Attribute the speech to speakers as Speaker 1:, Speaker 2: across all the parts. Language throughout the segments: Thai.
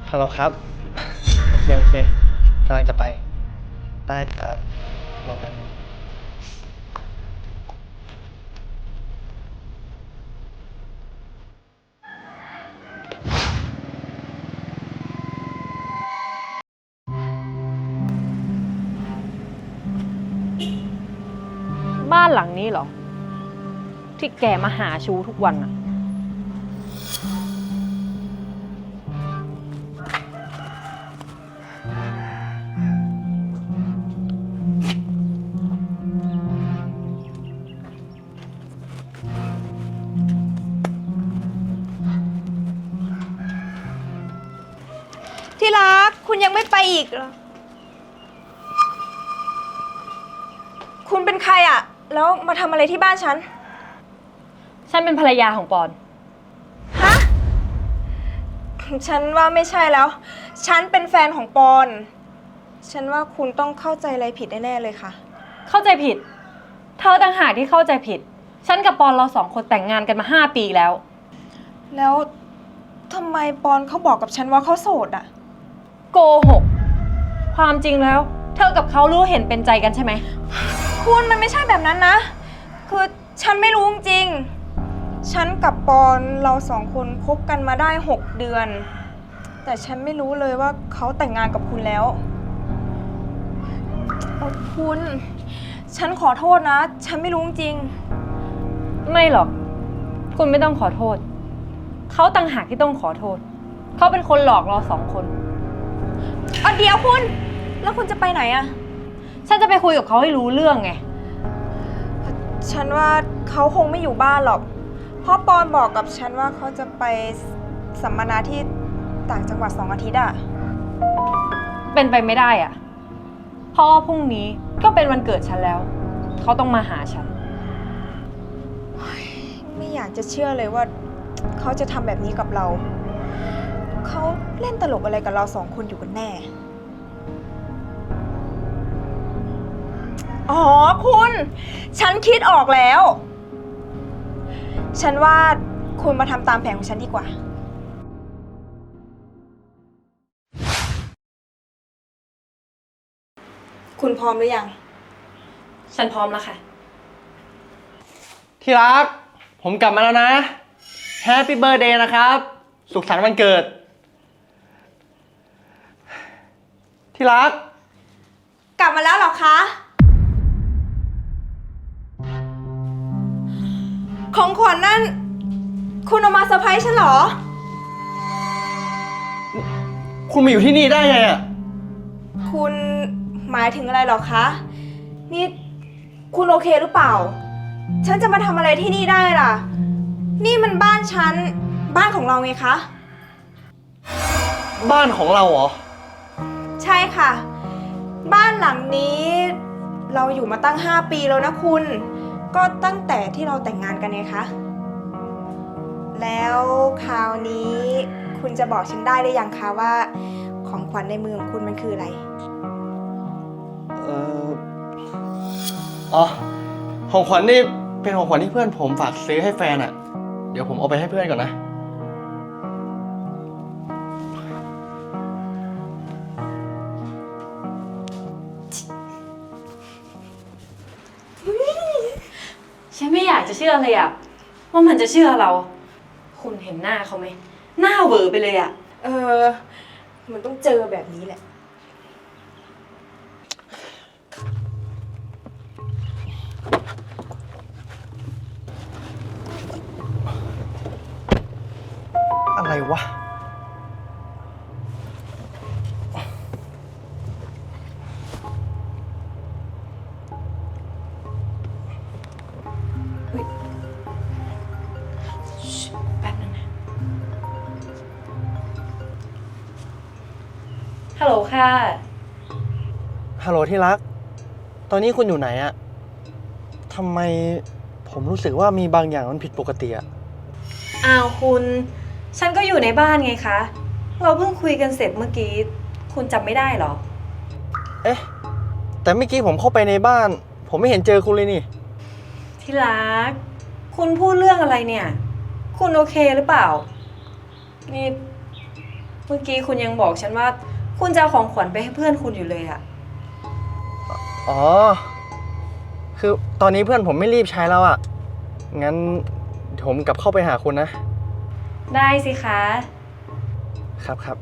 Speaker 1: ฮัลโหลครับโอเคกำลังจะไปได้ครับรอแป๊บนึง
Speaker 2: บ้านหลังนี้เหรอ ที่แกมาหาชูทุกวันอะ
Speaker 3: ที่รักคุณยังไม่ไปอีกเหรอคุณเป็นใครอะแล้วมาทำอะไรที่บ้านฉัน
Speaker 2: ฉันเป็นภรรยาของปอน
Speaker 3: ฮะ ฉันว่าไม่ใช่แล้ว ฉันเป็นแฟนของปอน ฉันว่าคุณต้องเข้าใจอะไรผิดแน่ๆเลยค่ะ
Speaker 2: เข้าใจผิด เธอต่างหากที่เข้าใจผิด ฉันกับปอนเรา2 คนแต่งงานกันมา5 ปีแล้ว
Speaker 3: แล้วทำไมปอนเขาบอกกับฉันว่าเขาโสดอะ
Speaker 2: โกหก ความจริงแล้ว เธอกับเขารู้เห็นเป็นใจกันใช่ไหม
Speaker 3: คุณมันไม่ใช่แบบนั้นนะ คือฉันไม่รู้จริงๆฉันกับปอนเรา2 คนคบกันมาได้6 เดือน แต่ฉันไม่รู้เลยว่าเขาแต่งงานกับคุณแล้วคุณ ฉันขอโทษนะ ฉันไม่รู้จริง
Speaker 2: ไม่หรอก คุณไม่ต้องขอโทษ เขาต่างหากที่ต้องขอโทษ เขาเป็นคนหลอกเรา2 คน
Speaker 3: เดี๋ยวคุณ แล้วคุณจะไปไหนอะ
Speaker 2: ฉันจะไปคุยกับเขาให้รู้เรื่องไง
Speaker 3: ฉันว่าเขาคงไม่อยู่บ้านหรอก เพราะปอนบอกกับฉันว่าเขาจะไปสัมมนาที่ต่างจังหวัด2 อาทิตย์อะ
Speaker 2: เป็นไปไม่ได้อะเพราะว่าพรุ่งนี้ก็เป็นวันเกิดฉันแล้ว เขาต้องมาหาฉัน
Speaker 3: ไม่อยากจะเชื่อเลยว่าเขาจะทำแบบนี้กับเรา เขาเล่นตลกอะไรกับเรา2 คนอยู่กันแน่ อ๋อคุณ ฉันคิดออกแล้ว ฉันว่าคุณมาทำตามแผนของฉันดีกว่า คุณพร้อมหรือยัง
Speaker 2: ฉันพร้อมแล้วค่ะ
Speaker 1: ที่รักผมกลับมาแล้วนะแฮปปี้เบิร์ a เดย์นะครับสุขสันต์วันเกิดที่รัก
Speaker 3: กลับมาแล้วเหรอคะ ของขวัญนั่น คุณเอามาเซอร์ไพรส์ฉันเหรอ
Speaker 1: คุณมาอยู่ที่นี่ได้ไงอ่ะ
Speaker 3: คุณหมายถึงอะไรเหรอคะ นี่คุณโอเคหรือเปล่า ฉันจะมาทำอะไรที่นี่ได้ล่ะ นี่มันบ้านฉัน บ้านของเราไงคะ
Speaker 1: บ้านของเราเหรอ
Speaker 3: ใช่ค่ะ บ้านหลังนี้เราอยู่มาตั้ง5 ปีแล้วนะคุณ ก็ตั้งแต่ที่เราแต่งงานกันไงคะ แล้วคราวนี้คุณจะบอกฉันได้หรือยังคะว่าของขวัญในมือของคุณมันคืออะไร
Speaker 1: เอออ๋อของขวัญนี่เป็นของขวัญที่เพื่อนผมฝากซื้อให้แฟนอ่ะ เดี๋ยวผมเอาไปให้เพื่อนก่อนนะ
Speaker 2: ฉันไม่อยากจะเชื่อเลยอะว่ามันจะเชื่อเรา คุณเห็นหน้าเขาไหม หน้าเวอไปเลยอะ
Speaker 3: มันต้องเจอแบบนี้แหละ
Speaker 1: อะไรวะ
Speaker 2: แป๊บนึงนะ ฮัลโหลค่ะ
Speaker 1: ฮัลโหลที่รัก ตอนนี้คุณอยู่ไหนอะทำไมผมรู้สึกว่ามีบางอย่างมันผิดปกติอะ
Speaker 2: อ้าวคุณ ฉันก็อยู่ในบ้านไงคะ เราเพิ่งคุยกันเสร็จเมื่อกี้ คุณจำไม่ได้เหรอ
Speaker 1: เอ๊ะ แต่เมื่อกี้ผมเข้าไปในบ้าน ผมไม่เห็นเจอคุณเลยนี่
Speaker 2: ที่รัก คุณพูดเรื่องอะไรเนี่ย คุณโอเคหรือเปล่า นี่มื่อกี้คุณยังบอกฉันว่า คุณจะเอาของขวัญไปให้เพื่อนคุณอยู่เลยอะ
Speaker 1: อ๋อ คือตอนนี้เพื่อนผมไม่รีบใช้แล้วอะงั้นเดี๋ยวผมกลับเข้าไปหาคุณนะ
Speaker 2: ได้สิคะ
Speaker 1: ครับครับ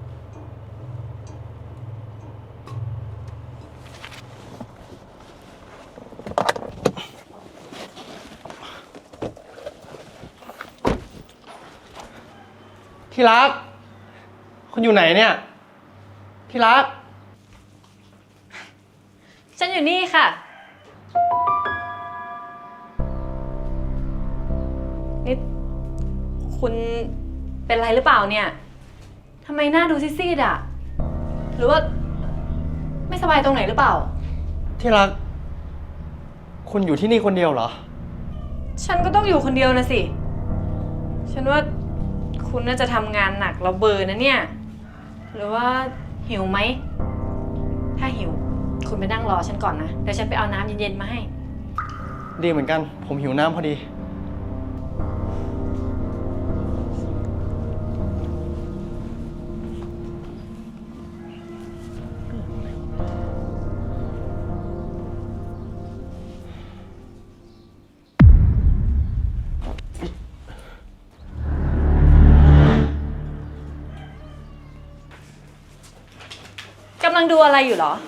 Speaker 1: ที่รัก คุณอยู่ไหนเนี่ย ที่รัก
Speaker 2: ฉันอยู่นี่ค่ะ นี่คุณเป็นไรหรือเปล่าเนี่ยทำไมหน้าดูซีดๆอะหรือว่าไม่สบายตรงไหนหรือเปล่า
Speaker 1: ที่รัก คุณอยู่ที่นี่คนเดียวเหรอ
Speaker 2: ฉันก็ต้องอยู่คนเดียวนะสิ ฉันว่าคุณน่าจะทำงานหนักแล้วเบลอนะเนี่ย หรือว่าหิวไหม ถ้าหิว คุณไปนั่งรอฉันก่อนนะ เดี๋ยวฉันไปเอาน้ำเย็นๆมาให้
Speaker 1: ดีเหมือนกัน ผมหิวน้ำพอดี
Speaker 2: กำลังดูอะไรอยู่เหรอ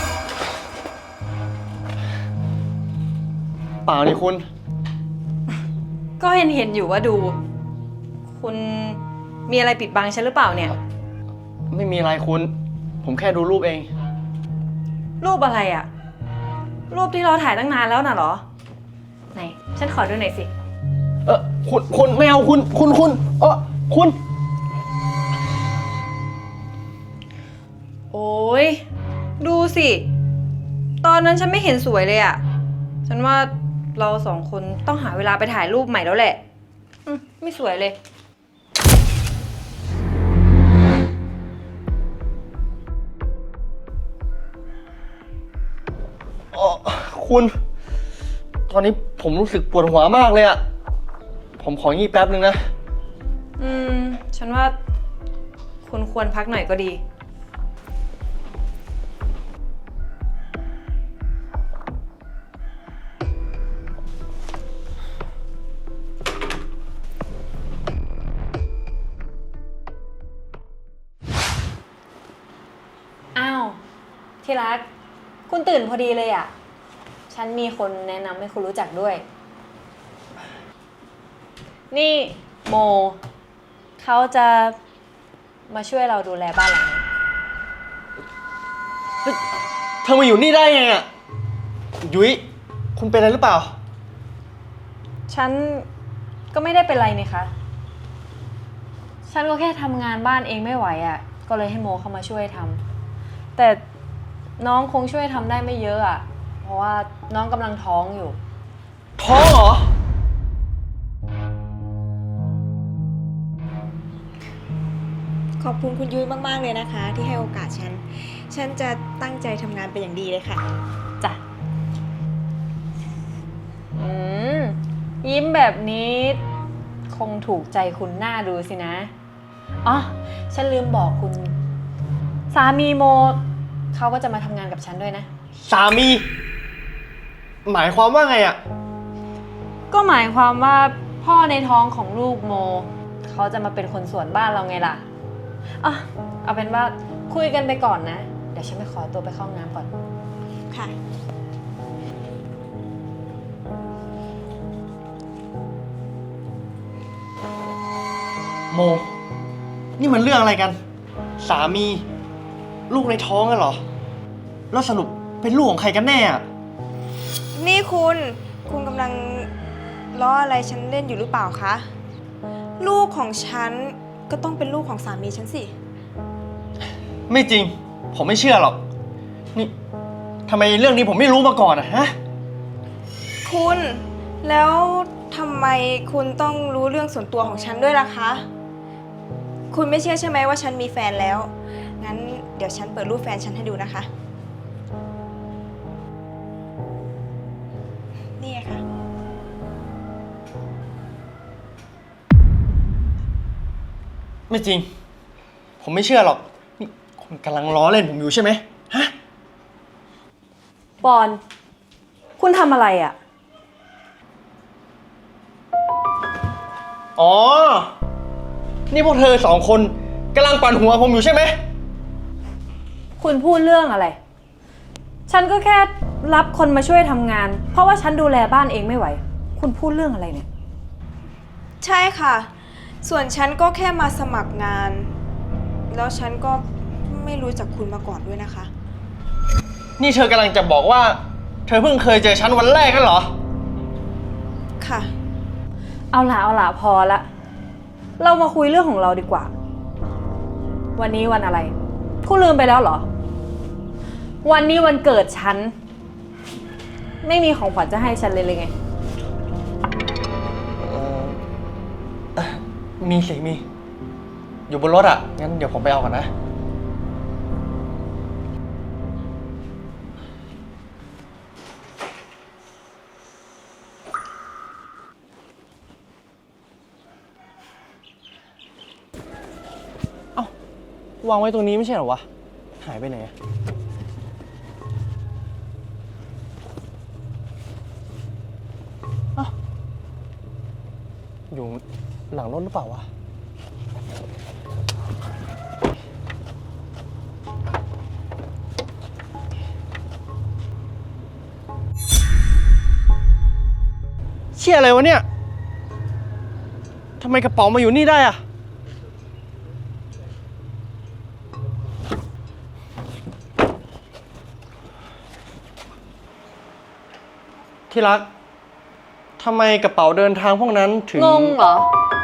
Speaker 1: เปล่านี่คุณ
Speaker 2: ก็เห็นอยู่ว่าดู คุณมีอะไรปิดบังฉันหรือเปล่าเนี่ย
Speaker 1: ไม่มีอะไรคุณ ผมแค่ดูรูปเอง
Speaker 2: รูปอะไรอะรูปที่เราถ่ายตั้งนานแล้วน่ะเหรอ ไหน ฉันขอดูหน่อยสิ
Speaker 1: คุณไม่เอาคุณคุณ
Speaker 2: โอ้ยดูสิ ตอนนั้นฉันไม่เห็นสวยเลยอะฉันว่าเราสองคนต้องหาเวลาไปถ่ายรูปใหม่แล้วแหละไม่สวยเลย
Speaker 1: คุณ ตอนนี้ผมรู้สึกปวดหัวมากเลยอะผมของี้แป๊บนึงนะ
Speaker 2: ฉันว่าคุณควรพักหน่อยก็ดี อ้าว ที่รัก คุณตื่นพอดีเลยอ่ะ ฉันมีคนแนะนำให้คุณรู้จักด้วย นี่โม เขาจะมาช่วยเราดูแลบ้านหลังนี้
Speaker 1: เธอมาอยู่นี่ได้ไงอะยุ้ยคุณเป็นอะไรหรือเปล่า
Speaker 2: ฉันก็ไม่ได้เป็นไรนี่คะ ฉันก็แค่ทำงานบ้านเองไม่ไหวอ่ะ ก็เลยให้โมเข้ามาช่วยทำ แต่น้องคงช่วยทำได้ไม่เยอะอ่ะ เพราะว่าน้องกำลังท้องอยู่
Speaker 1: ท้องเหรอ
Speaker 3: ขอบคุณคุณยุ้ยมากๆเลยนะคะ ที่ให้โอกาสฉัน ฉันจะตั้งใจทำงานเป็นอย่างดีเลยค่ะ
Speaker 2: จ้ะ ยิ้มแบบนี้คงถูกใจคุณหน้าดูสินะ อ๋อ ฉันลืมบอกคุณ สามีโมเขาก็จะมาทำงานกับฉันด้วยนะ
Speaker 1: สามี หมายความว่าไงอะ
Speaker 2: ก็หมายความว่าพ่อในท้องของลูกโมเขาจะมาเป็นคนสวนบ้านเราไงล่ะอ่ะเอาเป็นว่าคุยกันไปก่อนนะ เดี๋ยวฉันไปขอตัวไปเข้าห้องน้ำก่อน
Speaker 3: ค่ะ
Speaker 1: โม นี่มันเรื่องอะไรกัน สามี ลูกในท้องอะเหรอ แล้วสรุปเป็นลูกของใครกันแน่อะ
Speaker 3: นี่คุณกำลังล้ออะไรฉันเล่นอยู่หรือเปล่าคะ ลูกของฉันก็ต้องเป็นลูกของสามีฉันสิ
Speaker 1: ไม่จริง ผมไม่เชื่อหรอก นี่ทำไมเรื่องนี้ผมไม่รู้มาก่อนอะฮะ
Speaker 3: คุณแล้วทำไมคุณต้องรู้เรื่องส่วนตัวของฉันด้วยล่ะคะ คุณไม่เชื่อใช่ไหมว่าฉันมีแฟนแล้ว งั้นเดี๋ยวฉันเปิดรูปแฟนฉันให้ดูนะคะ นี่ไงค่ะ
Speaker 1: ไม่จริง ผผมไม่เชื่อหรอก นี่คุณกำลังล้อเล่นผมอยู่ใช่ไหมฮะ
Speaker 2: ปอน คุณทำอะไรอะ
Speaker 1: อ๋อ นี่พวกเธอสองคนกำลังปั่นหัวผมอยู่ใช่ไหม
Speaker 2: คุณพูดเรื่องอะไร ฉันก็แค่รับคนมาช่วยทำงาน เพราะว่าฉันดูแลบ้านเองไม่ไหว คุณพูดเรื่องอะไรเนี่ย
Speaker 3: ใช่ค่ะ ส่วนฉันก็แค่มาสมัครงาน แล้วฉันก็ไม่รู้จักคุณมาก่อนด้วยนะคะ
Speaker 1: นี่เธอกำลังจะบอกว่า เธอเพิ่งเคยเจอฉันวันแรกกันเหรอ
Speaker 3: ค่ะ
Speaker 2: เอาล่ะพอละ เรามาคุยเรื่องของเราดีกว่า วันนี้วันอะไร คุณลืมไปแล้วเหรอ วันนี้วันเกิดฉัน ไม่มีของขวัญจะให้ฉันเลยไง
Speaker 1: มีสิ มี อยู่บนรถอ่ะ งั้นเดี๋ยวผมไปเอาก่อนนะ เอ้าวางไว้ตรงนี้ไม่ใช่เหรอวะ หายไปไหนอะเอ้าอยู่หลังรถหรือเปล่าวะ เชี่ยอะไรวะเนี่ย ทำไมกระเป๋ามาอยู่นี่ได้อะที่รัก ทำไมกระเป๋าเดินทางพวกนั้นถึง
Speaker 2: งงเหรอ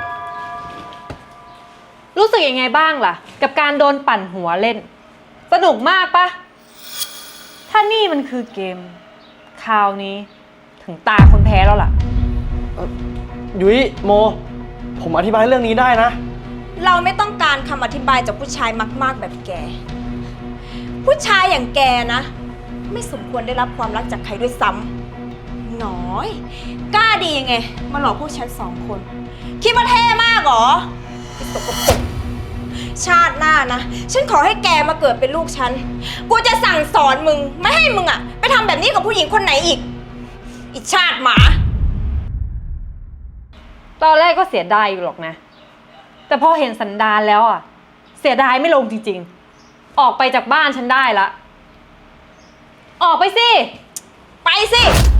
Speaker 2: รู้สึกยังไงบ้างล่ะ กับการโดนปั่นหัวเล่น สนุกมากปะ ถ้านี่มันคือเกม คราวนี้ ถึงตาคนแพ้แล้วล่ะ
Speaker 1: ยุ้ยโม ผมอธิบายเรื่องนี้ได้นะ
Speaker 3: เราไม่ต้องการคำอธิบายจากผู้ชายมากๆแบบแก ผู้ชายอย่างแกนะ ไม่สมควรได้รับความรักจากใครด้วยซ้ำน้อย กล้าดียังไง มาหลอกพวกฉันสองคน คิดว่าเท่มากเหรอไอ้สกปรกชาติหน้านะ ฉันขอให้แกมาเกิดเป็นลูกฉัน กูจะสั่งสอนมึง ไม่ให้มึงอะไปทำแบบนี้กับผู้หญิงคนไหนอีกอีชาติหมา
Speaker 2: ตอนแรกก็เสียดายอยู่หรอกนะ แต่พอเห็นสันดานแล้วอ่ะ เสียดายไม่ลงจริงๆ ออกไปจากบ้านฉันได้ละ ออกไปสิ
Speaker 3: ไปสิ